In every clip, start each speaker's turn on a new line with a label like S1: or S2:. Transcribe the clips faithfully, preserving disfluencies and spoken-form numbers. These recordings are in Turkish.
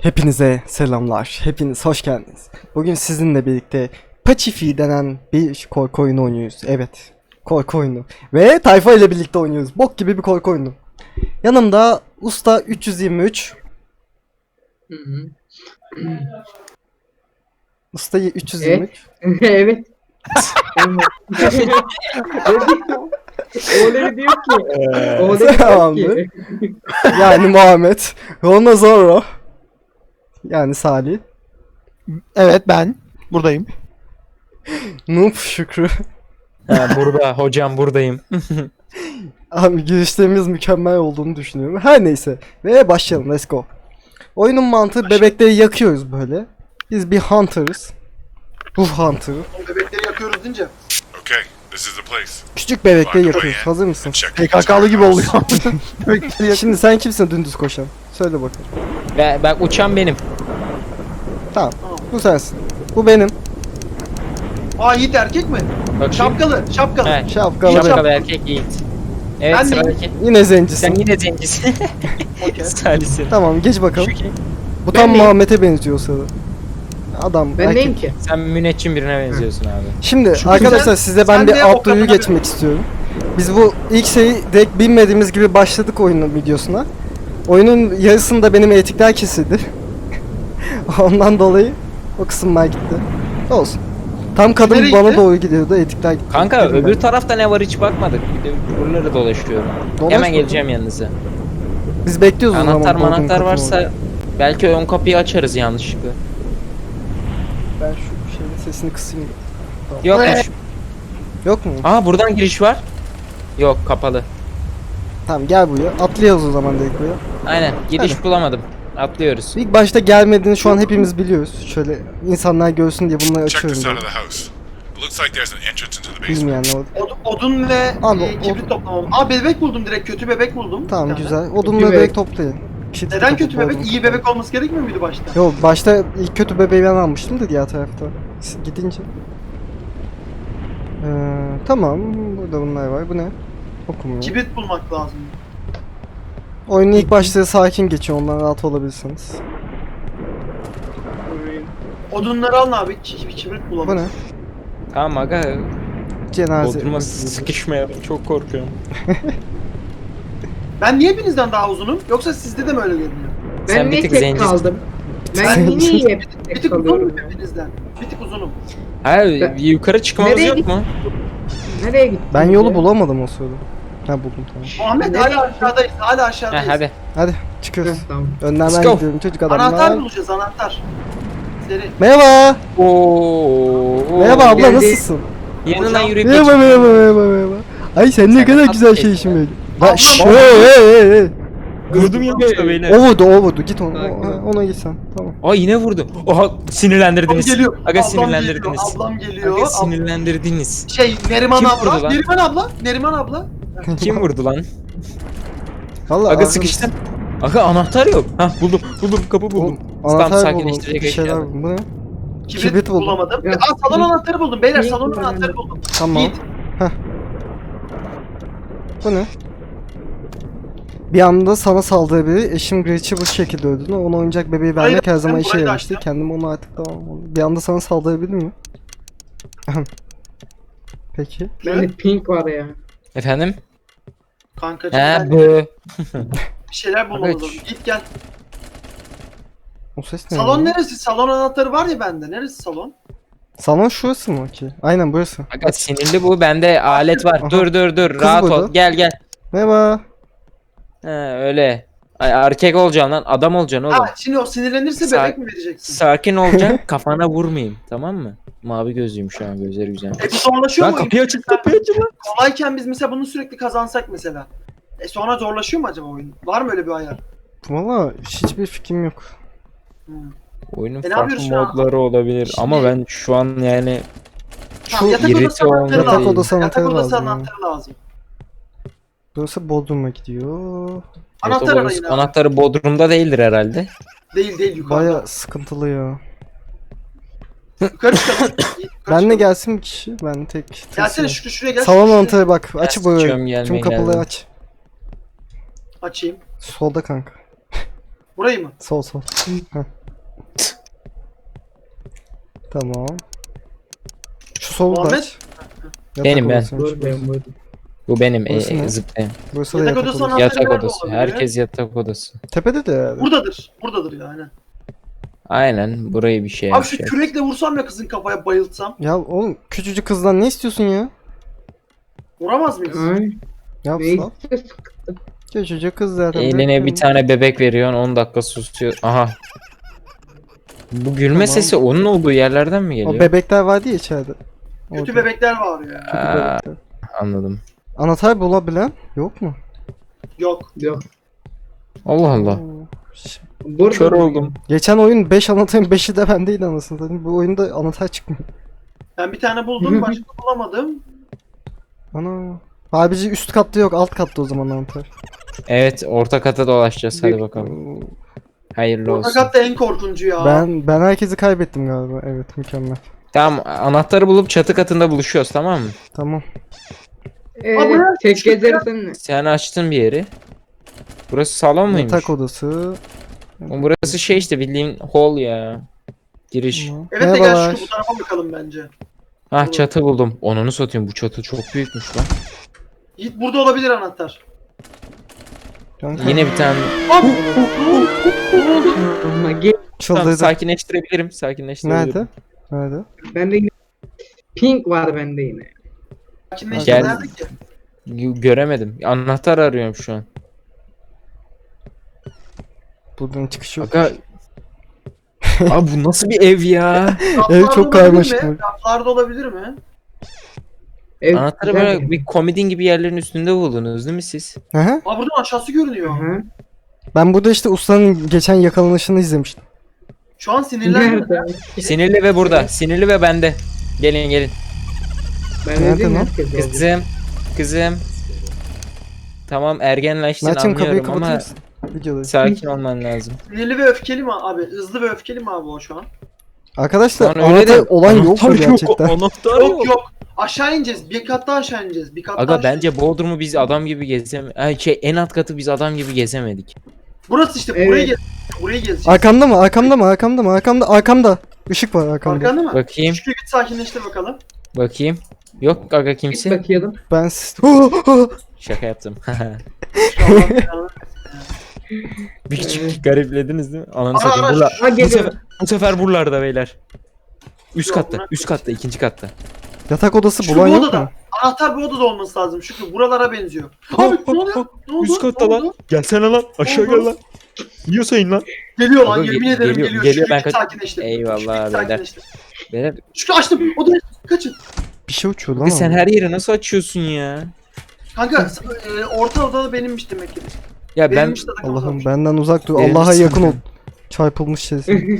S1: Hepinize selamlar. Hepiniz hoş geldiniz. Bugün sizinle birlikte Pacifi denen bir korku oyunu oynuyoruz. Evet. Korku oyunu. Ve tayfa ile birlikte oynuyoruz. Bok gibi bir korku oyunu. Yanımda Usta üç yüz yirmi üç.
S2: Hı hı.
S1: Usta üç yüz yirmi üç.
S2: Evet. Öyle diyor ki. Öyle diyor
S1: Tamamdır.
S2: ki.
S1: Yani Muhammed. Rona Zorro. Yani Salih.
S3: Evet ben buradayım.
S1: Noob Şükrü.
S4: Ha, burada hocam buradayım.
S1: Abi girişlerimiz mükemmel olduğunu düşünüyorum. Her neyse. Ve başlayalım. Let's go. Oyunun mantığı bebekleri yakıyoruz böyle. Biz bir hunter'ız. Ruh hunter'ı.
S5: Bebekleri yakıyoruz deyince.
S6: Okay, this is the place.
S1: Küçük bebekleri yakıyoruz. Hazır mısın?
S6: Check
S3: P K K'lı gibi oluyor. Bekleri yak-
S1: Şimdi sen kimsin dümdüz koşan? Söyle bakalım.
S4: Ve bak uçan benim.
S1: Tamam. Bu sensin. Bu benim.
S5: Aa Yiğit erkek mi?
S4: Bakayım.
S5: Şapkalı, şapkalı.
S4: Evet.
S1: Şapkalı.
S4: Şapkalı erkek Yiğit. Evet
S5: Ben de
S4: sıradaki.
S1: Yine zencisin.
S4: Sen yine zencisin.
S5: Okey.
S4: Salihsin.
S1: Tamam geç bakalım.
S4: Şu kim?
S1: Bu
S2: Ben
S1: tam
S2: neyim?
S1: Muhammed'e benziyor o sırada. Adam
S2: Ben
S1: erkek.
S2: neyim ki?
S4: Sen müneccim birine benziyorsun abi.
S1: Şimdi
S5: Çünkü
S1: arkadaşlar
S5: sen-
S1: size ben
S5: sen
S1: bir
S5: de o
S1: alt duyuyu
S5: kadına-
S1: geçmek istiyorum. Biz bu ilk şeyi direkt bilmediğimiz gibi başladık oyunun videosuna. Oyunun yarısında benim etikler kesildi. Ondan dolayı o kısımlar gitti. Olsun. Tam kadın
S5: Nereye
S1: bana
S5: gitti?
S1: doğru gidiyordu, etikler gitti.
S4: Kanka
S1: Dedim
S4: öbür
S1: ben.
S4: tarafta ne var hiç bakmadık. Bir de buraları dolaşıyorum.
S1: Dolaş
S4: Hemen
S1: bakalım.
S4: geleceğim yanınıza.
S1: Biz bekliyoruz o zaman.
S4: Anahtar
S1: Bodrum
S4: manahtar
S1: katını
S4: varsa
S1: orada.
S4: belki ön kapıyı açarız yanlışlıkla.
S1: Ben şu şeyin sesini kısayım.
S4: Yokmuş.
S1: Yok mu?
S4: Aa buradan giriş var. Yok kapalı.
S1: Tamam gel buraya. Atlayalım o zaman direkt buraya.
S4: Aynen giriş bulamadım. Atlıyoruz.
S1: İlk başta gelmediğini şu an hepimiz biliyoruz. Şöyle insanlar görsün diye bunları
S6: Check
S1: açıyorum.
S6: this out
S1: böyle.
S6: of the house. It looks like there's an entrance into the basement.
S1: Bilmeyenler oldu.
S5: Od- odun ve
S1: Abi,
S5: e, kibrit toplamam. Aa bebek buldum direkt, kötü bebek buldum. bir
S1: Tamam
S5: tane.
S1: güzel. Odunları
S2: bebek.
S1: direkt toplayın. Kit
S5: Neden
S1: kapı
S5: kötü bebek?
S1: bodrum
S5: İyi
S1: kapı.
S5: bebek olması gerekmiyor muydu başta?
S1: Yok başta ilk kötü bebeği ben almıştım da diğer tarafta. Siz gidince. Ee, tamam. Burada bunlar var. Bu ne? Okumuyor.
S5: Kibrit bulmak lazım.
S1: Oyunun ilk başları sakin geçiyor. Ondan rahat olabilirsiniz.
S5: Odunları alın abi, ki- kibrit bulalım.
S1: Bu ne?
S4: Tamam aga.
S1: Cenaze.
S4: Bodruma sıkışmayalım. Çok korkuyorum.
S5: Ben niye hepinizden daha uzunum? Yoksa sizde de mi öyle görünüyor?
S4: Sen
S2: Ben
S4: bir
S2: niye
S4: tık
S2: tek
S4: zencisin.
S2: kaldım? Ben
S1: Sen-
S2: niye hep
S5: Bir
S2: tek
S5: tık uzunum
S2: kalıyorum?
S5: hepinizden. Bir tık uzunum.
S4: Ha
S2: Ben-
S4: yukarı çıkmamız
S2: Nereye
S4: yok
S2: git-
S4: mu?
S2: Nereye gittin?
S1: Ben yolu
S2: ya?
S1: bulamadım o sırada. Ha buldum tamam.
S5: Muhammed
S2: Nereye
S5: hala aşağıdayız, hala
S4: Ha
S5: aşağıdayız.
S4: hadi.
S1: Hadi
S2: Heh,
S1: çıkıyoruz.
S2: tamam.
S1: Önden
S4: Let's
S1: ben
S4: go.
S1: gidiyorum çocuk
S5: Anahtar
S1: adamlar.
S5: bulacağız, anahtar. Seri.
S1: Merhaba.
S4: Oo.
S1: Merhaba abla
S2: Geldi.
S1: nasılsın?
S4: Yanından yürüyüp
S1: Merhaba
S4: geçin.
S1: merhaba merhaba merhaba. Ay sen ne
S4: Sen
S1: kadar
S4: nasıl
S1: güzel
S4: geçtin?
S1: şeysin böyle.
S5: Abla,
S1: Lan şşş
S5: baba.
S1: hey hey hey hey.
S4: Vurdum ya beyler.
S1: O vurdu o vurdu git ona,
S2: Sakin ol.
S1: ona git sen tamam.
S4: Aa yine vurdu. Oha
S5: Ablam
S4: sinirlendirdiniz.
S5: geliyor.
S4: Aga
S5: ablam
S4: sinirlendirdiniz.
S5: Geliyor, ablam geliyor.
S4: Aga
S5: Ab-
S4: sinirlendirdiniz.
S5: şey Neriman
S4: Kim
S5: abla.
S4: vurdu lan?
S5: Neriman abla. Neriman abla.
S4: Kim vurdu lan?
S1: Vallahi
S4: Aga
S1: abi-
S4: sıkıştım. Aga anahtar yok. Hah buldum. Buldum kapı buldum.
S1: Oğlum,
S4: Tam
S1: anahtar buldum.
S4: sakinleştirecek
S1: Bir şeyler
S4: eşya.
S1: buldum. Bu ne?
S5: Kibrit,
S1: Kibrit buldum.
S5: bulamadım.
S2: Ya,
S5: Aa salon
S2: kibrit-
S5: anahtarı buldum. Beyler
S2: Kibrit
S5: salon
S2: buldum.
S5: anahtarı buldum.
S1: Tamam.
S5: Yiğit.
S1: Bu ne? Bir anda sana saldırabilir. Eşim Gretch'i bu şekilde öldürdü. Ona oyuncak bebeği
S5: Burayı
S1: vermek
S5: da-
S1: her zaman
S5: ben
S1: işe
S5: burayı da
S1: yaramıştı.
S5: açtım.
S1: Kendim onu artık tamam. Bir anda sana saldırabilir mi? Peki.
S2: Bende pink var ya.
S4: Efendim?
S5: Kankacığım
S4: He
S5: ben
S4: bu.
S5: bir şeyler bulmamız
S4: Aga,
S5: lazım. Git gel.
S1: O ses ne?
S5: Salon
S1: ya?
S5: neresi? Salon anahtarı var ya bende. Neresi salon?
S1: Salon şurası mı ki? Aynen burası.
S4: Aga sinirli bu. Bende alet var.
S1: Aha.
S4: Dur dur dur.
S1: Kız
S4: Rahat
S1: burada.
S4: ol. Gel gel.
S1: Merhaba.
S4: He öyle. Ay, erkek olacaksın lan. Adam olacaksın oğlum.
S5: Ha şimdi o sinirlenirse
S4: Sa-
S5: bebek mi vereceksin?
S4: Sakin olacaksın. Kafana vurmayayım. Tamam mı? Mavi gözlüyüm şu an. Gözleri güzel.
S5: E bu zorlaşıyor
S4: Lan
S5: mu?
S4: kapıyı açın kapıyı açın lan.
S5: Kolayken biz mesela bunu sürekli kazansak mesela. E sonra zorlaşıyor mu acaba oyun? Var mı öyle bir ayar?
S1: Valla hiçbir fikrim yok.
S5: Hmm.
S4: Oyunun
S5: E, ne
S4: farklı
S5: yapıyoruz şu an?
S4: modları olabilir
S5: Şimdi-
S4: ama ben şu an yani
S5: Tamam, yatak
S4: irite
S5: odası anahtarı
S4: olma
S1: Yatak
S4: değil.
S1: odası
S5: Yatak
S1: anahtarı
S5: odası
S1: lazım. yani.
S5: anahtarı lazım.
S1: Burası Bodrum'a gidiyor.
S5: Anahtar
S4: Yatak
S5: arayın
S4: odası
S5: abi.
S4: anahtarı Bodrum'da değildir herhalde.
S5: Değil değil yukarıda.
S1: Baya sıkıntılı ya.
S5: Yukarı çıkalım. Yukarı
S1: Benle
S5: çıkalım.
S1: gelsin bir kişi. Ben tek. tek
S5: Gelsene
S1: şey-
S5: Şükrü şuraya gel.
S1: Salon
S5: şuraya.
S1: anahtarı bak. Aç
S4: sıçıyorum,
S1: burayı.
S4: gelmeye
S1: Tüm kapıları
S4: geldim.
S1: aç.
S5: Açayım.
S1: Solda kanka.
S5: Burayı mı?
S1: Sol sol. Heh. Tamam. Şu solu da
S5: Muhammed?
S1: aç. Yatak
S4: Benim ben.
S1: odasıymış
S2: Dur
S1: burası.
S2: ben burada.
S4: Bu benim e,
S1: Burası
S4: e,
S1: ne?
S4: zıplayan.
S1: Burası da
S5: Yatak
S1: yatak
S5: odası
S1: odası.
S5: anahtarı
S4: Yatak
S5: nerede
S4: odası.
S5: olabilir?
S4: Herkes yatak odası.
S1: Tepede de yani.
S5: Buradadır. Buradadır yani.
S4: Aynen burayı bir şey
S5: Abi şu
S4: yapacak.
S5: kürekle vursam ya kızın kafaya bayıltsam.
S1: Ya oğlum küçücük kızdan ne istiyorsun ya?
S5: Vuramaz mıyız?
S2: Ay.
S1: Yap
S2: Ne
S1: sal.
S2: istiyorsun?
S1: Küçücük kız zaten.
S4: Eline
S1: bekliyorum.
S4: bir tane bebek veriyorsun on dakika susuyor. Aha. Bu gülme
S1: Tamam.
S4: sesi onun olduğu yerlerden mi
S1: O
S4: geliyor?
S1: bebekler vardı ya içeride.
S5: Kötü
S1: Orada.
S5: bebekler var ya.
S1: Kötü
S4: Aa,
S1: bebekler.
S4: anladım.
S1: Anahtar bulabilen yok mu?
S5: Yok.
S2: Yok.
S4: Allah Allah.
S1: Oo. Ş-
S2: Burada
S4: Kör
S2: mı?
S4: oldum.
S1: Geçen oyun beş anahtarın beşi de bendeydi anasını satayım. Bu oyunda anahtar çıkmıyor.
S5: Ben bir tane buldum, başka bulamadım.
S1: Ana. Abici üst katta yok, alt katta o zaman anahtar.
S4: Evet orta kata dolaşacağız hadi bakalım.
S1: Oo.
S4: Hayırlı olsun.
S5: Fakat da en korkuncu ya.
S1: Ben ben herkesi kaybettim galiba. Evet, mükemmel.
S4: Tamam anahtarı bulup çatı katında buluşuyoruz tamam mı?
S1: Tamam.
S2: Ee,
S5: Abi,
S2: tek
S5: şu-
S2: gezersen
S4: Sen açtın bir yeri. Burası salon muymuş?
S1: Yatak odası.
S4: O burası şey işte bildiğin hall ya. Giriş.
S1: Tamam.
S5: Evet de gel
S1: Merhabalar.
S5: şu bu tarafa bakalım bence.
S4: Ah çatı buldum. Onunu satayım bu çatı çok büyükmüş lan.
S5: Yiğit burada olabilir anahtar.
S1: Kanka,
S4: Yine bir tane.
S5: Abi!
S2: ama gel.
S4: Tamam,
S1: çıldırdı.
S4: sakinleştirebilirim. Sakinleştirebilirim.
S1: Nerede? Nerede?
S2: Bende yine pink var bende yine.
S5: Sakinleşti
S4: Gel.
S5: nerede ki?
S4: G- Göremedim. Anahtar arıyorum şu an.
S1: Buradan çıkış yok.
S4: Aga. Abi bu nasıl bir ev ya?
S1: Ev
S5: Raflarda
S1: çok
S5: olabilir
S1: karmaşık.
S5: mi? Raflarda olabilir mi?
S2: Ev
S4: Anahtarı
S2: güzel
S4: böyle
S2: mi?
S4: bir komodin gibi yerlerin üstünde buldunuz değil mi siz?
S1: Hı hı.
S5: Aa buradan aşağısı görünüyor.
S2: Aha.
S1: Ben burada işte ustanın geçen yakalanışını izlemiştim.
S5: Şu an sinirlendim.
S2: Nerede?
S4: Sinirli ve burada. Sinirli ve bende. Gelin gelin.
S2: Ben
S1: Nerede
S2: dedim
S1: lan?
S2: herkes oldu.
S4: Kızım. Kızım. Tamam ergenleştin
S1: Mert'cim kapıyı
S4: anlıyorum
S1: kapatır
S4: ama
S1: mısın? Videodayız.
S4: sakin olman lazım.
S5: Sinirli ve öfkeli mi abi? Hızlı ve öfkeli mi abi o şu an?
S1: Arkadaşlar
S4: Lan öyle
S1: anahtar
S4: de-
S1: olan yok mu
S4: Anahtar
S1: gerçekten?
S4: Anahtar
S5: Yok yok. Aşağı ineceğiz. Bir kat daha aşağı ineceğiz. Bir kat daha
S4: Aga
S5: aşağı
S4: bence Bodrum'u biz adam gibi gezemedik. Ay şey en alt katı biz adam gibi gezemedik.
S5: Burası işte.
S2: Evet.
S5: Burayı gez. Burayı gezeceğiz.
S1: Arkamda mı? Arkamda mı? Arkamda mı? Arkamda. Arkamda. Işık var arkamda.
S5: Arkanda mı?
S4: Bakayım.
S5: Şükrü git sakinleştir bakalım.
S4: Bakayım. Yok aga
S2: Git
S4: kimse.
S2: bakıyordum.
S1: Ben s-
S4: Şaka yaptım.
S5: İnşallah ya.
S4: Bir küçük gariplediniz değil mi? Ananı
S5: Ara,
S4: satayım.
S5: ara,
S4: Burla,
S2: Ha
S4: bu,
S2: geliyor.
S4: sefer, bu sefer buralarda beyler. Üst
S5: Yok,
S4: katta,
S5: bırak.
S4: üst katta, ikinci katta.
S1: Yatak odası
S5: Şu
S1: bulan
S5: bu
S1: yok
S5: odada.
S1: mu?
S5: Anahtar bu odada olması lazım. Şükrü buralara benziyor.
S4: Ha,
S5: Abi
S4: ha,
S5: ne oluyor?
S4: ha.
S5: Ne oldu?
S4: Üst katta
S5: Ne
S4: lan.
S5: oldu?
S4: Gelsene lan.
S5: Aşağı gel lan.
S4: Yiyorsa in lan.
S5: Geliyor lan
S4: Aga,
S5: yemin
S4: ge-
S5: ederim
S4: geliyor,
S5: geliyor.
S4: geliyor,
S5: Şükrü
S4: ben
S5: git
S4: kaç-
S5: sakinleştir.
S4: Eyvallah
S5: Şükrü git
S4: beyler.
S5: sakinleştir.
S4: Beyler
S5: Şükrü açtım. Odayı kaçın.
S1: Bir şey uçuyor lan.
S4: bir sen
S1: orada.
S4: her yeri nasıl açıyorsun ya?
S5: Kanka e, orta odada benimmiş demek ki.
S4: Ya ben
S5: Benimmiş de takım
S1: Allah'ım
S5: odammış.
S1: benden uzak dur.
S4: Benim
S1: Allah'a
S4: misin
S1: yakın ol.
S4: sen?
S1: Çarpılmış sesi.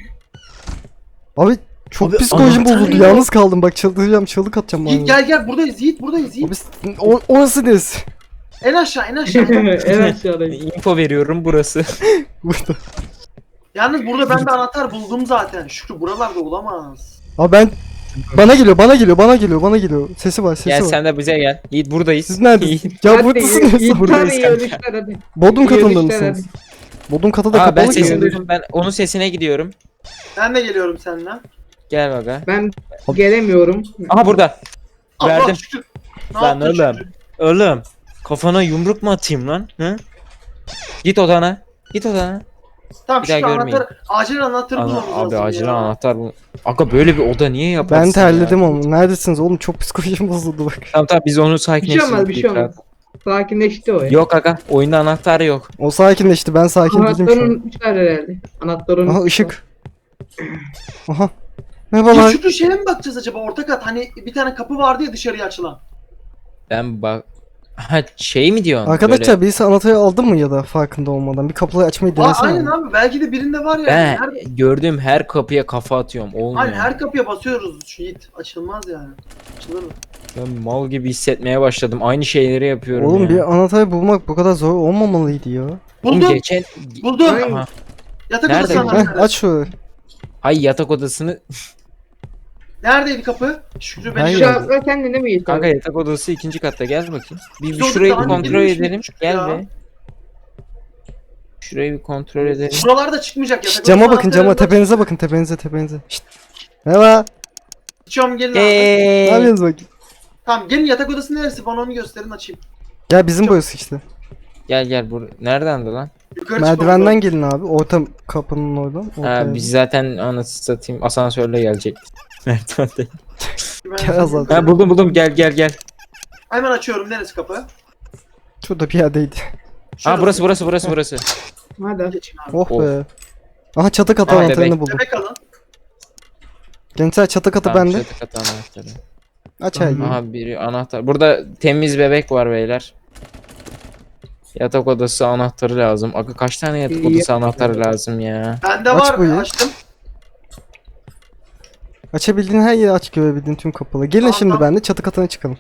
S1: Abi çok
S4: Abi,
S1: psikolojim
S4: anahtar
S1: bozuldu.
S5: yok.
S1: Yalnız kaldım. Bak çıldıracağım. Çığlık atacağım.
S5: Yiğit
S1: bana.
S5: gel gel buradayız Yiğit buradayız Yiğit.
S1: Abi, s- o, orası neresi?
S5: En aşağı en aşağı.
S2: en aşağıdayım.
S4: info veriyorum burası.
S1: Burada.
S5: Yalnız burada ben bir anahtar buldum zaten. Şükrü buralarda olamaz.
S1: Abi ben bana geliyor, bana geliyor, bana geliyor, bana geliyor. Sesi var, sesi
S4: Gel
S1: var.
S4: sen de bize gel. Yiğit buradayız.
S1: Siz neredesiniz? Ya
S2: Hadi,
S1: buradasınız.
S2: İyi
S4: Buradayız
S2: iyi
S4: kanka.
S2: ölüşler hadi.
S1: Bodrum
S2: İyi
S1: katında
S2: ölüşler
S1: mısınız? Bodrum katı da
S4: Aa ben
S1: kapalı ki.
S4: sesini duydum. Ben onun sesine gidiyorum.
S5: Ben de geliyorum seninle.
S4: Gel baga.
S2: Ben gelemiyorum.
S4: Aha burada.
S5: Allah
S4: Verdim.
S5: Şükrü. Ne
S4: Lan
S5: yaptın
S4: oğlum.
S5: Şükrü?
S4: Oğlum. Kafana yumruk mu atayım lan? Hı? Git odana. Git odana.
S5: Tamam
S4: Bir daha
S5: Şükrü
S4: görmeyin.
S5: anahtar. Acil anahtarı
S4: Ana,
S5: bulmamız
S4: abi
S5: lazım
S4: acil
S5: ya.
S4: anahtar bu. Aga böyle bir oda niye yaparsın
S1: Ben terledim
S4: ya?
S1: ama. Neredesiniz oğlum? Çok psikolojim bozuldu bak.
S4: Tamam tamam biz onu
S2: Bir şey
S4: sakinleştirdik.
S2: olmaz bir şey olmaz. Sakinleşti o ya.
S4: Yok aga oyunda anahtar yok.
S1: O sakinleşti. Ben sakin değilim şu
S2: Anahtarı
S1: an.
S2: unutmuşlar herhalde. Anahtarı
S1: Aha
S2: unutmuşlar.
S1: ışık. Aha.
S5: Ya
S1: Merhabalar.
S5: Şükrü şeye mi bakacağız acaba orta kat? Hani bir tane kapı vardı ya dışarıya açılan.
S4: Ben bak... Ha şey mi diyorsun?
S1: Arkadaşlar
S4: Böyle...
S1: birisi anahtarı aldı mı ya da farkında olmadan? Bir kapıyı açmayı
S5: Aa,
S1: denesene.
S5: aynen abi belki de birinde var ya.
S4: Ben
S5: Nerede?
S4: gördüğüm her kapıya kafa atıyorum. Olmuyor.
S5: Aynen her kapıya basıyoruz şu Yiğit. Açılmaz yani. Açılır mı?
S4: Ben mal gibi hissetmeye başladım. Aynı şeyleri yapıyorum
S1: Oğlum
S4: ya.
S1: bir anahtarı bulmak bu kadar zor olmamalıydı ya.
S4: Oğlum
S5: Buldum.
S4: geçen...
S5: Buldum.
S2: Aynen.
S4: Aha.
S5: Yatak
S4: Nerede
S5: odası
S4: bu?
S1: Heh,
S5: anahtarı.
S1: aç şurayı.
S4: Hay yatak odasını...
S5: Neredeydi kapı? Şükrü beni
S1: Hayır.
S2: Şu atla kendine mi geçti?
S4: Kanka yatak odası ikinci katta gel bakayım. Bir, bir
S5: Biz
S4: şurayı bir
S5: orada daha
S4: kontrol
S5: önce
S4: edelim.
S5: girmiştik
S4: Gel
S5: ya.
S4: be. Şurayı bir kontrol edelim.
S5: Buralarda çıkmayacak
S1: Şşt,
S5: yatak
S1: cama
S5: odası
S1: bakın cama
S5: anahtarı var.
S1: tepenize bakın tepenize tepenize. Şşt. Merhaba.
S5: Açıyorum gelin abi.
S1: Ne
S4: Hey.
S1: yapıyorsunuz bakayım?
S5: Tamam gelin yatak odası neresi bana onu gösterin açayım.
S1: Gel bizim burası işte.
S4: Gel gel bur. Nereden de lan?
S5: Yukarı
S1: Merdivenden
S5: çıkmam
S1: gelin abi. Orta kapının oradan.
S4: Ha
S1: ortaya.
S4: biz zaten anasını satayım asansörle gelecek. Merdivende.
S5: lazım. Ben-
S1: Gel azal.
S4: Ha buldum buldum gel gel gel.
S5: Hemen açıyorum neresi kapı?
S1: Şurada bir yerdeydi.
S4: Ha burası burası burası burası.
S2: Hadi.
S5: Geçin abi.
S1: Oh
S4: Of.
S1: be. Aha çatı katı
S4: Aa,
S1: anahtarını
S4: bebek.
S1: buldum.
S5: Bebek alın.
S1: Gençler çatı katı
S4: Tamam,
S1: bende.
S4: çatı katı anahtarı.
S1: Aç her yeri.
S4: Aha biri anahtar. Burada temiz bebek var beyler. Yatak odası anahtarı lazım. Aga kaç tane yatak
S2: İyi.
S4: odası anahtarı lazım ya?
S5: Bende
S1: Aç
S5: var
S1: bu ya.
S5: açtım.
S1: Açabildiğin her yeri aç, görebildiğin tüm kapıları. Gelin
S5: Tamam,
S1: şimdi
S5: tamam.
S1: bende çatı katına çıkalım.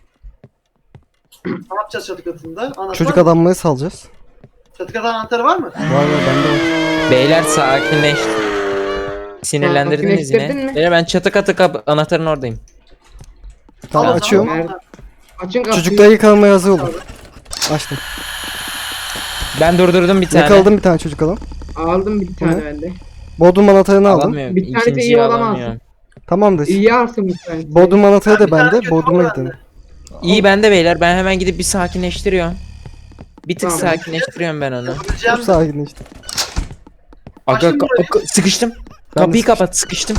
S5: Ne yapacağız çatı katında? Anahtar
S1: Çocuk
S5: mı?
S1: adamları salacağız.
S5: Çatı katı anahtarı var mı?
S1: Var var bende var.
S4: Beyler sakinleş. Sinirlendirdiniz
S2: Sakinleştirdin
S4: yine.
S2: mi?
S4: Beyler ben çatı katı kap anahtarın oradayım.
S1: Tamam
S5: Al o
S1: açıyorum.
S5: zaman.
S2: Nerede? Açın kapıyı.
S1: Çocuklar yakalamaya hazır olun. Açtım.
S4: Ben durdurdum bir tane.
S1: Yakaladım bir tane çocuk adam.
S2: Aldım bir tane
S1: Ne?
S2: ben de.
S1: Bodrum anahtarını aldım.
S4: Alamıyorum.
S2: Bir tane de
S4: İkinciyi
S2: iyi olamazsın.
S4: alamıyorum.
S1: Tamamdır.
S2: İyi alsın bir tane.
S1: Bodrum anahtarı
S5: Ben
S1: da
S5: bir tane
S1: bende.
S5: götürüm
S1: Bodrum'a
S5: bende.
S1: gidelim.
S4: İyi bende beyler. Ben hemen gidip bir sakinleştiriyorum. Bir tık
S2: Tamam.
S4: sakinleştiriyorum ben onu.
S5: Yapabileceğim.
S1: Çok sakin işte.
S4: Aga
S5: Açtım
S4: ka-
S5: burayı.
S4: ka- sıkıştım.
S1: Ben de
S4: Kapıyı kapat sıkıştım.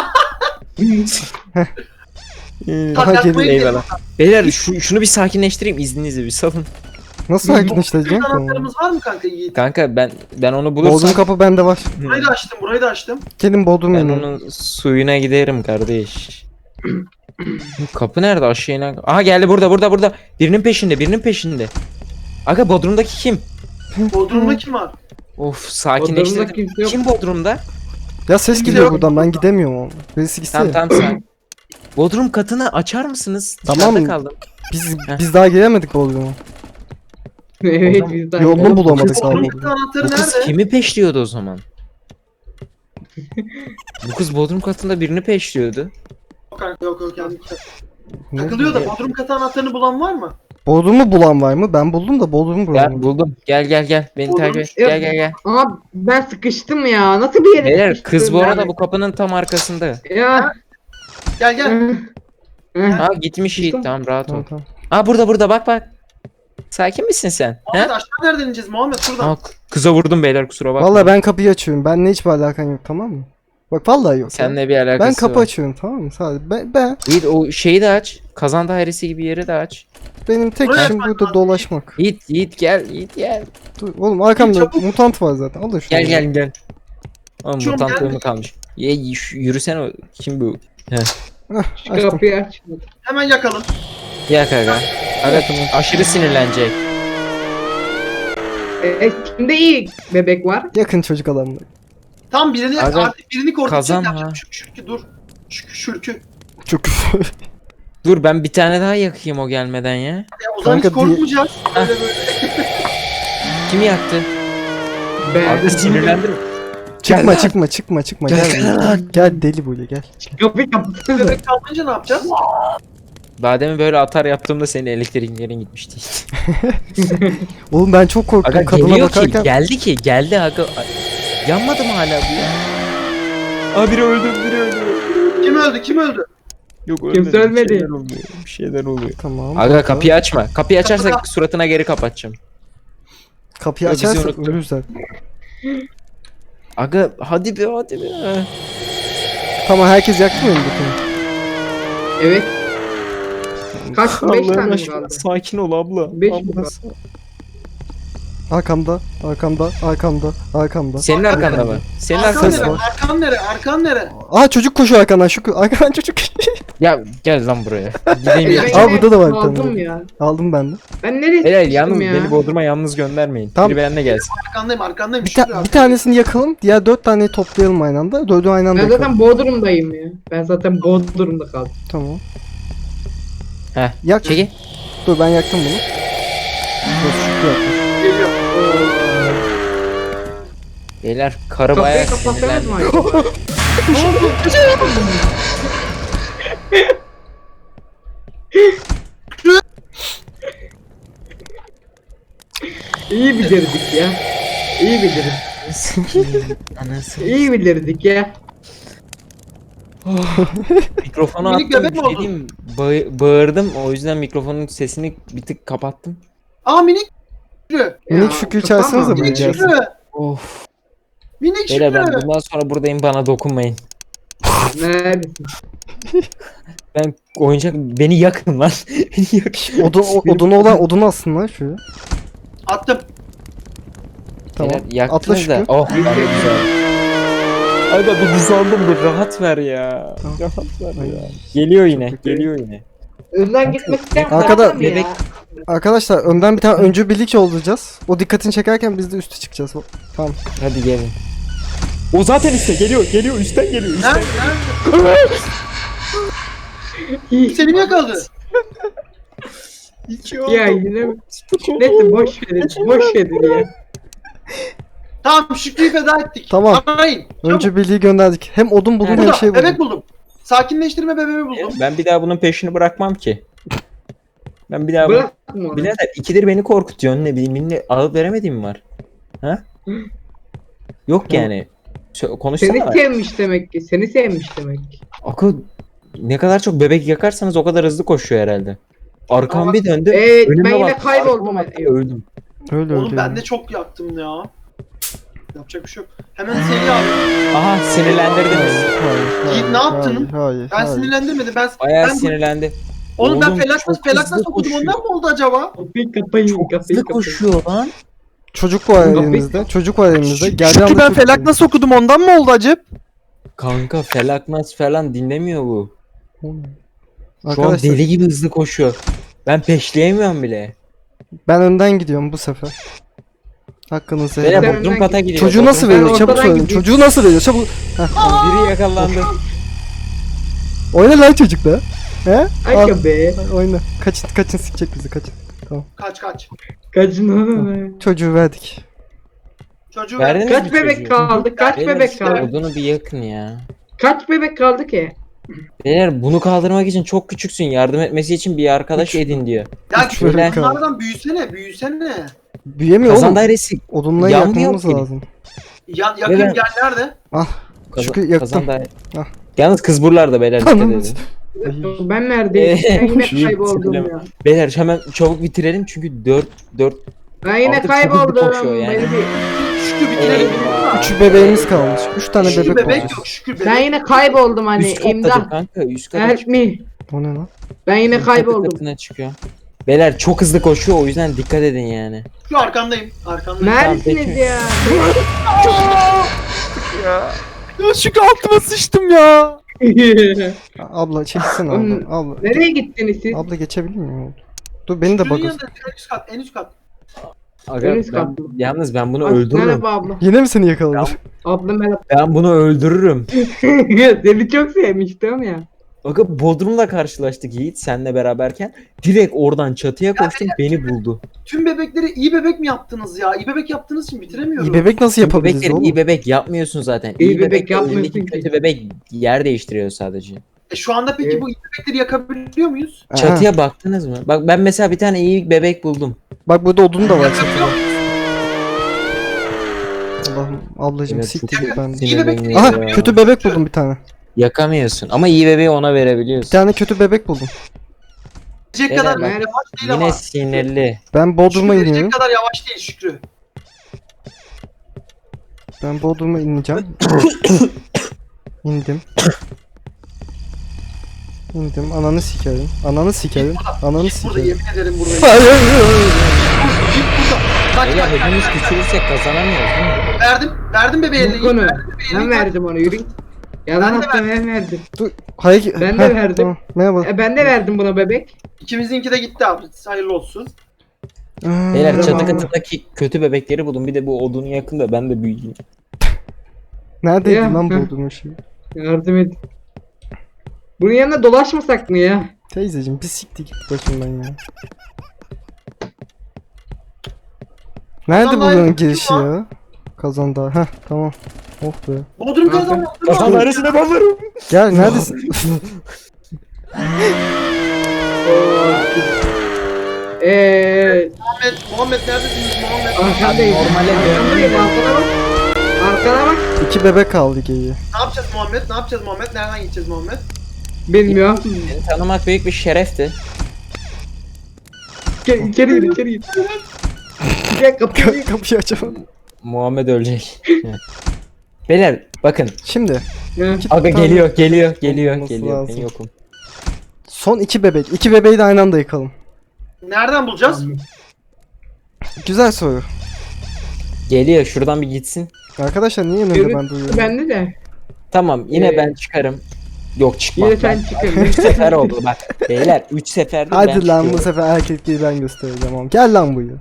S1: Aha
S5: yakmayı
S1: geliyor.
S4: Eyvallah. Beyler şu, şunu bir sakinleştireyim izninizle bir salın.
S1: Nasıl sakinleştireceğim
S5: Çocuk
S1: ki onu?
S5: anahtarımız var mı kanka Yiğit?
S4: Kanka ben ben onu
S1: Bodrum
S4: bulursam
S1: kapı bende var.
S5: Burayı da açtım burayı da açtım.
S1: Gelin Bodrum
S4: ben
S1: yanına.
S4: onun suyuna giderim kardeş. Kapı nerede aşağı inen? Aha geldi burada burada burada. Birinin peşinde birinin peşinde. Aga Bodrum'daki kim?
S5: Bodrum'da kim var?
S4: Of
S2: Bodrum'da
S4: sakinleştirdim.
S2: kimse yok.
S4: Kim Bodrum'da?
S1: Ya ses
S5: Kimse
S1: geliyor
S5: yok.
S1: buradan ben gidemiyorum oğlum. Birisi gitse
S4: Tamam
S1: ya.
S4: tamam sen. Bodrum katını açar mısınız?
S1: Tamam.
S4: Dışarıda kaldım.
S1: Biz,
S4: Heh.
S1: biz daha giremedik Bodrum'a.
S2: Evet biz de.
S1: Yolunu bulamadık abi.
S5: Bodrum'daki anahtarı
S4: Bu kız
S5: nerede?
S4: kimi peşliyordu o zaman? Bu kız Bodrum katında birini peşliyordu.
S5: Yok kanka yok yok yani.
S1: Ne?
S5: Takılıyor da Bodrum katı anahtarını bulan var mı?
S1: Bodrum'u bulan var mı? Ben buldum da Bodrum'u
S4: Gel
S1: bulamadım.
S4: buldum. Gel gel gel. Beni
S5: Bodrum-
S4: takip et.
S2: Yok.
S4: Gel gel gel.
S2: Ama ben sıkıştım ya. Nasıl bir yere
S4: Beyler
S2: sıkıştım
S4: kız bu
S2: ben?
S4: arada bu kapının tam arkasında.
S2: Ya.
S5: Gel gel.
S2: Hı.
S4: Ha gitmiş Yiğit
S2: Tamam.
S4: tamam rahat ol.
S1: Tamam tamam.
S4: Ha burada burada bak bak. Sakin misin sen?
S5: Muhammed
S4: He?
S5: aşağı nereden ineceğiz Muhammed şuradan.
S4: Aa, kıza vurdum beyler kusura bakma.
S1: Vallahi ben kapıyı açıyorum. Benle hiçbir alakan yok tamam mı? Bak vallahi yok. ya.
S4: Seninle bir alakası
S1: Ben kapı
S4: var.
S1: açıyorum tamam mı? Sadece ben, ben
S4: Yiğit o şeyi de aç. Kazan dairesi gibi yeri de aç.
S1: benim tek
S5: Buraya
S1: işim
S5: bak
S1: burada
S5: abi.
S1: dolaşmak.
S4: Yiğit Yiğit gel Yiğit gel.
S1: Dur, oğlum arkamda
S5: Çabuk.
S1: mutant var zaten. Al da şunu.
S4: Gel gel gel. Oğlum
S5: Şu
S4: mutant
S5: gel.
S4: bölümü kalmış. Ye yü- yürüsene o- kim bu?
S1: Heh,
S2: Şu
S1: açtım.
S2: kapıyı aç.
S5: Hemen yakalım.
S4: Ya kanka. Aga aşırı sinirlenecek.
S2: E, kimde iyi bebek var?
S1: Yakın çocuk adamlar.
S5: Tam birini
S4: Aga,
S5: artık birini korkutacak
S4: kazan
S5: yapacak.
S4: ha.
S5: Şük şürkü dur. Şük şürkü.
S1: Çok
S4: Dur ben bir tane daha yakayım o gelmeden ya.
S5: Ya o zaman hiç
S1: Kanka diye-
S5: korkmayacağız. Böyle böyle.
S4: Kim yaktı?
S2: Ben.
S4: Abi sinirlendim.
S1: çıkma çıkma çıkma çıkma gel. Gel, gel deli böyle gel.
S2: Kapıyı kapatsana.
S5: Bebek kalmayınca ne yapacağız?
S4: Daha demin böyle atar yaptığımda senin elektriklerin gitmişti.
S1: Oğlum ben çok korktum
S4: Aga
S1: kadına
S4: geliyor ki
S1: bakarken.
S4: geldi ki geldi aga. Ay, yanmadı mı hala bu ya? Aa biri öldü biri öldü.
S5: Kim öldü kim öldü?
S4: Yok
S2: Kimse ölmedi.
S4: Bir şeyler oluyor. Bir şeyler oluyor.
S1: Tamam.
S4: Aga kapıyı açma. Kapıyı açarsak suratına geri kapatacağım.
S1: Kapıyı
S4: Yok, bizi
S1: açarsak
S4: unuttum.
S1: ölürüz zaten.
S4: Aga hadi be hadi be.
S1: Tamam herkes yaktı mı elindekini?
S2: Evet. Kaç? Beş
S4: Allah'ın
S2: tane mi
S4: aşkına,
S2: kaldı?
S4: sakin ol abla.
S2: Beş mi
S4: Abla,
S2: kaldı?
S1: Arkamda, arkamda, arkamda, arkamda.
S4: Senin arkanda mı? Senin
S5: Arkan
S4: arkanda
S1: ses
S5: nere?
S4: mı?
S1: var.
S5: Arkan nere? Arkan nere?
S1: Aa çocuk koşuyor arkandan şu arkadan çocuk.
S4: Ya gel lan buraya. Gideyim ya.
S2: Ben
S1: Aa,
S2: yine
S1: burada da var bir
S2: kaldım
S1: tane.
S2: ya.
S1: Aldım ben de.
S2: Ben nereye
S4: Helal
S2: sıkıştım
S4: yalnız
S2: ya?
S4: beni Bodrum'a yalnız göndermeyin.
S1: Tamam.
S4: Biri benimle gelsin.
S5: Arkandayım arkandayım.
S1: Bir,
S5: Şükür
S1: ta-
S5: abi.
S1: bir tanesini yakalım, diğer dört taneyi toplayalım aynı anda. Dördü aynı anda
S2: Ben
S1: yakalım.
S2: zaten Bodrum'dayım ya. Ben zaten Bodrum'da kaldım.
S1: Tamam.
S4: Heh.
S1: Yak.
S4: Çekil.
S1: Dur ben yaktım bunu. Dur şükür yakmış.
S5: Geliyor.
S4: Beyler karı
S2: Kapıyı
S4: bayağı
S2: kapatsanız
S4: sinirlendi.
S2: mı acaba? İyi bitirdik ya. İyi biliriz.
S4: Anasını.
S2: İyi bilirdik ya.
S4: Mikrofonu
S5: Minik
S4: attım.
S5: bebek
S4: Bir
S5: mi
S4: şey
S5: oldun?
S4: diyeyim, ba- bağırdım. O yüzden mikrofonun sesini bir tık kapattım.
S5: Aa minik Şükrü.
S1: Minik
S2: Ya,
S1: Şükrü
S2: kafam
S1: çağırsanıza
S2: ağrıyor.
S1: buraya
S5: Minik
S1: gelsin.
S5: Şükrü.
S4: Of.
S5: Minik
S4: Beyler ben
S5: Şükrü.
S4: bundan sonra buradayım, bana dokunmayın.
S2: Neredesin?
S4: Ben oyuncak, beni yakın lan. Beni yakın.
S1: Odun, o- odunu olan odunu alsın lan şöyle.
S5: Attım.
S1: Tamam.
S4: Beyler,
S1: Atla
S4: yaktınız da.
S1: Şükrü.
S4: Oh ben de güzel. Aga bir düzeldim, bir rahat ver ya.
S1: Tamam.
S4: Rahat ver
S1: Ay,
S4: ya. Geliyor yine,
S1: çok kötü.
S4: geliyor yine.
S2: Önden gitmek isteyen
S1: Arkada-
S2: var mı ya?
S1: Arkadaşlar önden bir tane öncü birlik olacağız. O dikkatini çekerken biz de üste çıkacağız. Tamam.
S4: Hadi gelin. O zaten üstte geliyor, geliyor, üstten geliyor, üstten.
S5: Nerede? Nerede? Seni mi yakaladı?
S4: İki
S2: Ya yine mi? Neyse boş verin. Boş verin ya.
S5: Tamam Şükrü'yü feda ettik.
S1: Tamam.
S5: Arayın. Çabuk.
S1: Öncü birliği gönderdik. Hem odun buldum hem
S5: Burada
S1: şey buldum.
S5: bebek buldum. Sakinleştirme bebeği buldum.
S4: Ben bir daha bunun peşini bırakmam ki. Ben bir daha bunu...
S2: Bırakma onu.
S4: Birader ikidir beni korkutuyorsun, ne bileyim, benimle alıp veremediğim var. Ha? Yok yani. Sö- Konuşsana.
S2: Seni sevmiş demek ki. Seni sevmiş demek ki.
S4: Akıl ne kadar çok bebek yakarsanız o kadar hızlı koşuyor herhalde. Arkam
S5: Ama-
S4: bir döndü.
S2: Evet
S4: önüme
S2: ben yine
S4: baktım,
S2: kayboldum.
S4: arkama baktım, öldüm.
S1: Öyle
S5: Oğlum
S1: öyle.
S5: ben de çok yaktım ya. Yapacak bir şey yok. Hemen seri abi.
S4: Aha sinirlendirdiniz.
S1: Hayır,
S5: Yiğit, ne yaptın?
S1: Hayır, hayır,
S5: Ben
S1: hayır.
S5: sinirlendirmedim. Ben,
S4: Bayağı
S5: ben
S4: sinirlendi.
S5: Oğlum ben
S4: Oğlum,
S5: felak
S4: çok
S5: nasıl felak
S4: hızlı
S5: nasıl okudum
S4: koşuyor.
S5: ondan mı oldu acaba?
S2: Kapıyı kapayın.
S4: Çok
S2: Kapıyı
S4: hızlı
S2: kapayın.
S4: koşuyor lan.
S1: Çocuk var
S2: Kapıyı-
S1: elimizde. Çocuk var elimizde.
S3: Şükrü
S1: Geldiği anda
S3: ben
S1: çok
S3: felak
S1: iyi.
S3: nasıl okudum ondan mı oldu acep?
S4: Kanka felaknas falan dinlemiyor bu. Şu an
S1: Arkadaşlar
S4: deli gibi hızlı koşuyor. Ben peşleyemiyorum bile.
S1: ben önden gidiyorum bu sefer. Hakkınızı helal
S4: Beyler
S1: edin.
S2: Sen
S4: Bodrum
S2: önden
S4: kata
S2: git.
S4: gidiyor.
S1: Çocuğu
S4: Bodrum
S1: nasıl
S4: kata-
S1: veriyor?
S2: Ben
S1: Çabuk
S2: ortadan
S1: söyleyin.
S2: gideyim.
S1: Çocuğu nasıl veriyor? Çabuk.
S4: Biri yakalandı.
S1: Oyna lan çocuk da. He? Al,
S2: Ay be.
S1: oyna. Kaçın kaçın sikecek bizi kaçın.
S5: Kaç kaç.
S2: Kaçın oğlum.
S1: Çocuğu verdik.
S5: Çocuğu
S4: Verdiniz
S2: Kaç
S4: mi
S2: bebek
S4: çocuğu?
S2: kaldı? Kaç
S4: Beyler
S2: bebek
S4: işte
S2: kaldı?
S4: odunu bir yakın ya.
S2: Kaç bebek kaldı ki?
S4: Beyler bunu kaldırmak için çok küçüksün. Yardım etmesi için bir arkadaş edin diyor.
S5: Ya
S1: Üç bebek
S5: küçük
S1: kaldı.
S5: bunlardan büyüsene büyüsene.
S1: Büyüyemiyor
S4: Kazan
S1: oğlum.
S4: dairesi.
S1: Odunla
S4: yanmıyor
S1: yakmamız
S4: ki.
S1: lazım.
S5: Ya, yakın
S4: Beyler-
S5: gel nerede?
S4: Kazan,
S1: Şükrü yaktım.
S4: kazan daire-
S1: Ah.
S4: Yalnız kız buralarda beyler, dikkat
S1: Tamam.
S4: edin.
S1: Ay,
S2: Ben neredeyim?
S4: Ee,
S2: Ben yine
S4: Yiğit,
S2: kayboldum
S4: söyleme.
S2: ya.
S4: Beyler hemen çabuk bitirelim çünkü dört dört
S2: Ben yine
S4: Artık çok hızlı
S2: kayboldum.
S4: koşuyor yani.
S2: Beni bir...
S5: Şükrü bitirelim.
S1: Üç bebeğimiz kalmış. Üç tane
S5: Şükrü
S1: bebek,
S5: bebek
S1: olacağız.
S5: yok Şükrü bebek.
S2: Ben yine kayboldum hani
S4: üst kattadır
S2: imdat.
S4: kanka, üst kata
S2: Help
S4: çıkıyor.
S2: me.
S1: O ne lan?
S2: Ben yine
S4: Üst katı
S2: kayboldum.
S4: katına çıkıyor. Beyler çok hızlı koşuyor, o yüzden dikkat edin yani.
S5: Şükrü arkandayım. Arkandayım.
S2: Neredesiniz
S4: peki.
S2: ya?
S3: Ya Şükrü altıma sıçtım ya.
S1: Abla çekilsene
S2: Oğlum,
S1: abla. Abla,
S2: Nereye gittiniz siz?
S1: abla geçebilir miyim? Dur beni de
S5: Şükrü'nün
S1: bakın.
S5: yanında en üst kat en üst kat.
S4: Aga,
S2: En üst
S4: ben,
S2: kat mı?
S4: yalnız ben bunu
S2: Bak,
S4: öldürürüm.
S2: Merhaba abla.
S1: Yine mi seni yakaladı?
S2: Abla merhaba.
S4: Ben bunu öldürürüm.
S2: Seni çok sevmiştim ya.
S4: Aga Bodrum'la karşılaştık Yiğit senle beraberken. Direkt oradan çatıya koştum, beni buldu.
S5: Tüm bebekleri iyi bebek mi yaptınız ya? İyi bebek yaptığınız için bitiremiyorum.
S1: İyi bebek nasıl
S4: Tüm
S1: yapabiliriz
S4: bebekleri
S1: oğlum?
S4: iyi bebek yapmıyorsun zaten.
S2: İyi
S4: İyi,
S2: bebek
S4: bebek,
S2: yapmıyorsun
S4: önündeki
S2: ki.
S4: kötü bebek yer değiştiriyor sadece.
S5: E şu anda peki
S2: Evet.
S5: bu iyi bebekleri yakabiliyor muyuz?
S1: Aha.
S4: Çatıya baktınız mı? Bak ben mesela bir tane iyi bebek buldum.
S1: Bak burada odun da var
S5: Yakabiliyor
S1: çatıda.
S5: muyuz?
S1: Allah'ım ablacım
S4: Evet,
S1: siktir
S4: çok
S1: git ben.
S5: İyi bebek
S4: sinirleniyor
S1: Aha
S4: ya.
S1: kötü bebek buldum bir tane.
S4: Yakamıyorsun ama iyi bebeği ona
S1: Bir
S4: verebiliyorsun.
S1: tane kötü bebek buldum.
S5: Verecek
S4: Beyler,
S5: kadar
S2: ben-
S5: yavaş değil ama.
S4: Yine sinirli.
S1: Ben Bodrum'a
S5: Şükrü
S1: iniyorum.
S5: verecek kadar yavaş değil Şükrü.
S1: Ben Bodrum'a ineceğim. İndim. İndim. Ananı sikerim. Ananı sikerim. Ananı
S5: Burada
S1: sikerim.
S5: yemin ederim burada.
S1: Hayır, hayır, hayır.
S5: Kaç
S4: Beyler
S5: kaç
S4: hepimiz küçülürsek kazanamıyoruz değil mi?
S5: verdim. Verdim bebeğe elini.
S2: Bu konu.
S5: Verdim bebeğe
S2: Ben
S5: elini.
S2: verdim onu yürü. Yalan
S5: Ben de
S2: attım ben verdim.
S1: Dur. Hayır.
S2: Ben de verdim.
S1: Tamam. Merhaba.
S2: E, ben de verdim buna bebek.
S5: İkimizinki de gitti abi. Hayırlı olsun.
S1: Aa,
S4: Beyler çatı
S1: merhaba.
S4: katındaki kötü bebekleri bulun. Bir de bu odunu yakın da ben de büyüyeyim.
S1: Neredeydi
S2: Ya,
S1: lan
S2: heh.
S1: Bodrum'un şeyi?
S2: Yardım et. Bunun yanına dolaşmasak mı ya?
S1: Teyzeciğim bir siktir git başımdan ya. Nerede
S5: Kazan
S1: bunun
S5: dairesi
S1: girişi
S5: kim
S1: ya? Kazan daha. Heh tamam. Oh be.
S5: Bodrum
S2: Kanka.
S5: kazandı.
S4: Kazan dairesine bağlarım.
S1: Gel neredesin?
S2: Eee
S5: Muhammed, Muhammed neredesiniz Muhammed?
S2: Arkandayım.
S4: normale
S2: Arkandayım. Arkana bak. Arkana bak.
S1: İki bebek kaldı geyiği.
S5: Ne yapacağız Muhammed? Ne yapacağız Muhammed? Nereden gideceğiz Muhammed?
S2: Bilmiyorum.
S4: Seni tanımak büyük bir şerefti.
S2: Gel içeri gir içeri gir. Gel kapıyı.
S1: Kapıyı açamadım.
S4: Muhammed ölecek. Beyler bakın.
S1: Şimdi
S2: Ya.
S1: iki
S4: Aga
S1: tane
S4: geliyor geliyor geliyor
S1: olması
S4: geliyor.
S1: lazım.
S4: Ben yokum.
S1: Son iki bebek. İki bebeği de aynı anda yıkalım.
S5: Nereden bulacağız?
S1: Güzel soru.
S4: Geliyor şuradan bir gitsin.
S1: Arkadaşlar niye önümde
S2: Görüntü
S1: ben duyuyorum?
S2: bende de.
S4: Tamam yine
S2: Ee,
S4: ben çıkarım. Yok çıkmam.
S2: Yine sen
S4: Ben-
S2: çıkın.
S4: Üç sefer oldu bak. Beyler üç seferdir ben
S1: Hadi lan bu
S4: çıkıyorum.
S1: sefer erkekliği ben göstereceğim oğlum. Gel lan buraya.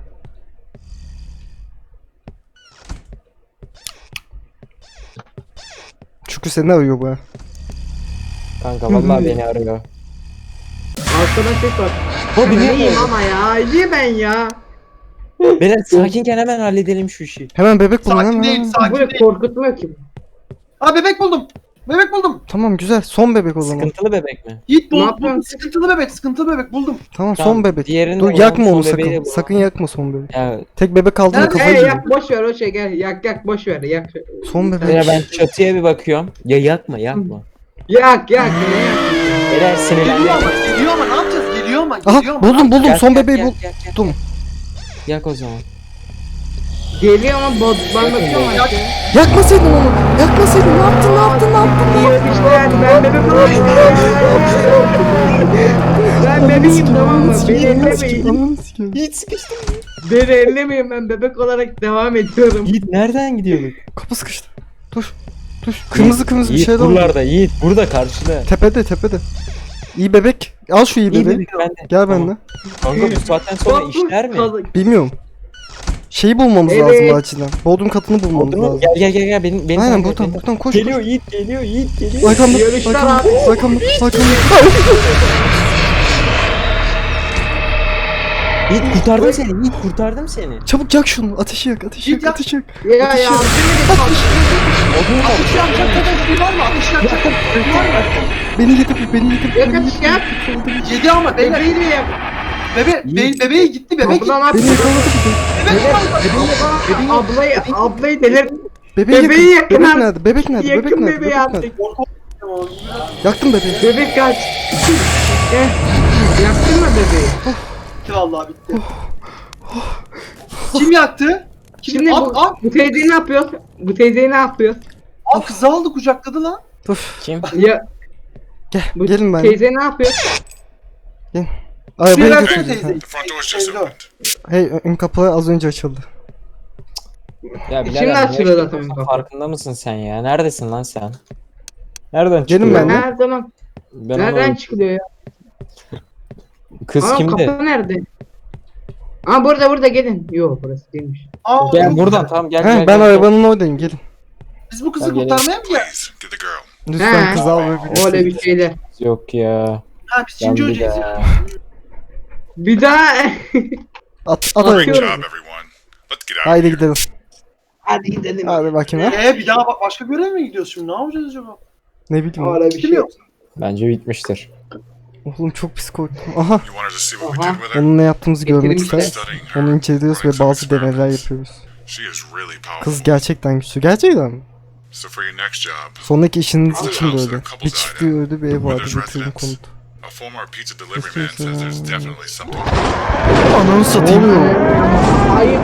S1: Çünkü seni arıyor bu.
S4: Kanka vallahi beni arıyor.
S2: Arkadan ses var.
S4: O
S2: Ben
S4: biliyor
S2: iyiyim
S4: mu?
S2: ama ya. İyi ben ya.
S4: Beyler sakinken hemen halledelim şu işi.
S1: Hemen bebek bulun
S5: Sakin
S1: hemen.
S5: değil,
S1: hemen.
S5: sakin
S2: Böyle
S5: değil.
S2: korkutmuyor ki.
S5: Aa bebek buldum. Bebek buldum.
S1: Tamam güzel. Son bebek o zaman.
S4: Sıkıntılı bebek mi?
S5: Yiğit
S2: Ne
S5: buldum.
S2: yapıyorsun?
S5: buldum. Sıkıntılı bebek, sıkıntılı bebek buldum.
S1: Tamam
S4: Tamam,
S1: son bebek.
S4: diğerini
S1: Dur
S4: de
S1: yakma
S4: son
S1: onu
S4: bebeği de
S1: sakın.
S4: bu.
S1: Sakın yakma son bebeği.
S4: Ya
S1: Tek bebek kaldığında
S5: Nerede?
S1: kafayı
S2: Hey
S1: yiyor.
S2: yak boş ver o şey gel. Yak yak boş ver yak.
S1: Son bebek.
S4: beyler ben çatıya bir bakıyorum. Ya yakma yakma.
S2: Yak yak ne yak.
S5: Geliyor
S4: Beyler sinirlendim.
S5: ama, geliyor ama ne yapacağız? Geliyor ama,
S1: Aha
S5: geliyor ama.
S1: buldum buldum
S4: Yak,
S1: son
S4: yak,
S1: bebeği
S4: yak,
S1: bul.
S4: yak, yak.
S1: Buldum.
S4: Yak o zaman.
S2: Geliyor ama bod ben bakıyorum
S5: Yak.
S2: işte.
S1: Yakmasaydın onu. Yakmasaydın ne yaptın ne yaptın ne yaptın ne yaptın?
S2: İşte ben bebek olayım. Ben bebeğim tamam mı? Beni ellemeyin.
S1: Ananı sikeyim.
S4: Yiğit sıkıştı.
S2: Beni ellemeyin ben bebek olarak devam ediyorum.
S4: Yiğit nereden gidiyorduk?
S1: Kapı sıkıştı. Dur. Dur. Kırmızı kırmızı bir
S4: Yiğit
S1: şeyler oldu.
S4: buralarda Yiğit burada karşıda.
S1: Tepede tepede. İyi bebek. Al şu iyi
S4: İyi
S1: bebeği.
S4: dedik ben de.
S1: Gel
S4: Tamam.
S1: benimle.
S4: Kanka bu saatten sonra
S2: Bak,
S4: işler mi?
S2: kazık.
S1: Bilmiyorum. Şeyi bulmamız
S2: Evet.
S1: lazım acilen. Bodrum katını bulmamız
S4: Oldu mu?
S1: lazım.
S4: Gel gel gel gel benim benim
S1: Aynen
S4: takip et,
S1: buradan
S4: beni.
S1: buradan koş.
S4: Geliyor Yiğit geliyor Yiğit geliyor.
S1: Arkamda.
S2: Yarışlar
S1: Arkamda.
S2: abi.
S1: Arkamda. Arkamda.
S4: Yiğit kurtardım seni Yiğit kurtardım seni.
S1: Çabuk yak şunu. Ateşi yak. Ateşi
S5: Git
S1: yak.
S5: yak.
S1: Ateşi yak.
S2: Ya ya.
S4: Odun da
S5: Ateş yakacak kadar bir var mı? Ateş yakacak kadar bir var mı?
S1: Beni getir. Beni getir.
S2: Yak
S1: Beni
S2: ateş
S1: getir.
S2: yak.
S5: Yedi ama beyler.
S2: Bebeği de yak.
S5: Bebe, be, bebeğe gitti bebek gitti.
S2: Kapıdan at.
S1: Beni yakaladı bir de.
S5: Bebek var.
S2: Ablayı ablayı delir.
S1: Bebeği
S2: Bebeği
S1: yakın.
S2: yakın
S1: Bebek
S2: abi.
S1: nerede? Bebek nerede? Bebek
S2: Yakın
S1: nerede?
S2: bebeği
S1: Bebek nerede?
S2: artık.
S1: Yaktım bebeği.
S2: Bebek kaç. Gel. Yaktın mı bebeği?
S5: Bitti vallahi bitti. Kim yaktı? Kim?
S2: Şimdi
S5: Ab,
S2: bu,
S5: ab,
S2: bu teyzeyi ne yapıyor? Bu teyzeyi ne yapıyor?
S5: ab kızı aldı kucakladı lan.
S1: Dur.
S4: Kim?
S2: Ya
S1: Gel.
S2: bu
S1: Gelin ben.
S2: teyze ne yapıyor?
S1: Arabayı
S5: versene
S1: götüreceğiz.
S5: teyzeyi.
S6: The front door's just
S5: Teyze.
S6: opened.
S1: Hey ön kapı az önce açıldı.
S4: Ya
S2: Şimdi
S4: birader,
S2: açılıyor
S4: ne
S2: zaten
S4: yaşıyorsun?
S2: kapı.
S4: Farkında mısın sen ya? Neredesin lan sen? Nereden
S1: Gelin
S4: çıkıyor?
S1: ben de.
S2: Her zaman
S4: Ben
S2: nereden
S4: onu-
S2: çıkılıyor ya?
S4: Kız
S2: Aa,
S4: kimdi?
S2: kapı nerede? Aa burada burada gelin. Yok burası değilmiş.
S5: Aa,
S4: Gel buradan tamam gel
S1: He,
S4: gel.
S1: ben
S4: gel, gel.
S1: arabanın oradayım. Gelin.
S5: Biz bu kızı
S4: Ben
S5: kurtarmaya mı geldik?
S6: Please, get the girl.
S1: Lütfen
S2: He.
S1: kız al bebeği.
S2: Öyle bir şeyler.
S4: Yok ya.
S5: Ha biz Çinci
S4: Ben bir
S5: hocayız ya.
S4: daha.
S2: Bir daha
S1: At, at
S2: Atıyorum.
S6: Great
S1: arabayı.
S6: job, everyone. Let's get out of
S1: Haydi
S6: here.
S1: gidelim.
S2: hadi gidelim.
S1: Hadi bakayım ha.
S5: Ee bir daha bak başka görev mi gidiyoruz şimdi? Ne yapacağız acaba?
S1: Ne bileyim.
S2: Öyle bir şey
S5: Bilmiyorum.
S2: yok.
S4: Bence bitmiştir.
S1: Oğlum çok pis korktum. Aha.
S6: You wanted to see what we
S2: Aha.
S6: did with her?
S1: Onun ne yaptığımızı görmek
S2: Getirmiş
S1: ister.
S2: de.
S6: Studying her.
S1: Onu inceliyoruz ve bazı deneyler yapıyoruz.
S6: She is really powerful.
S1: Kız gerçekten güçlü. Gerçekten mi?
S6: So for your next job,
S1: Sonraki işiniz için böyle. Bir çiftliği öldü bir ev vardı getirin konut.
S6: a former pizza delivery man says there's definitely something.
S1: Ananı
S2: Ne
S1: satayım.
S2: oluyor? Hayır.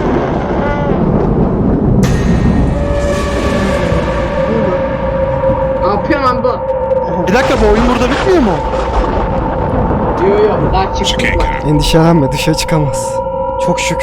S2: Ne yapıyorsun lan bu?
S3: Bir dakika bu oyun burada bitmiyor mu?
S2: Yok yok daha
S6: She
S2: çıktık
S6: can't
S2: var.
S6: get out.
S1: Endişelenme dışarı çıkamaz. Çok şükür.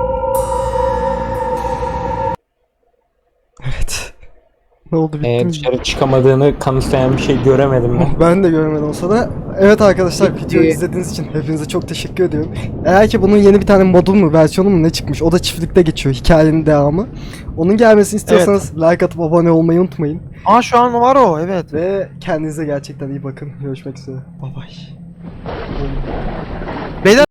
S1: Evet. Ne oldu bitti
S4: Ee,
S1: mi?
S4: dışarı çıkamadığını kanıtlayan bir şey göremedim ben.
S1: Oh, ben de görmedim olsa da. Evet arkadaşlar
S2: Bitti.
S1: videoyu izlediğiniz için hepinize çok teşekkür ediyorum. Eğer ki bunun yeni bir tane modu mu versiyonu mu ne çıkmış o da çiftlikte geçiyor hikayenin devamı. Onun gelmesini istiyorsanız like atıp abone olmayı unutmayın.
S3: Aa şu an var o evet.
S1: Ve kendinize gerçekten iyi bakın. Görüşmek üzere. Bye bye.
S3: Beyler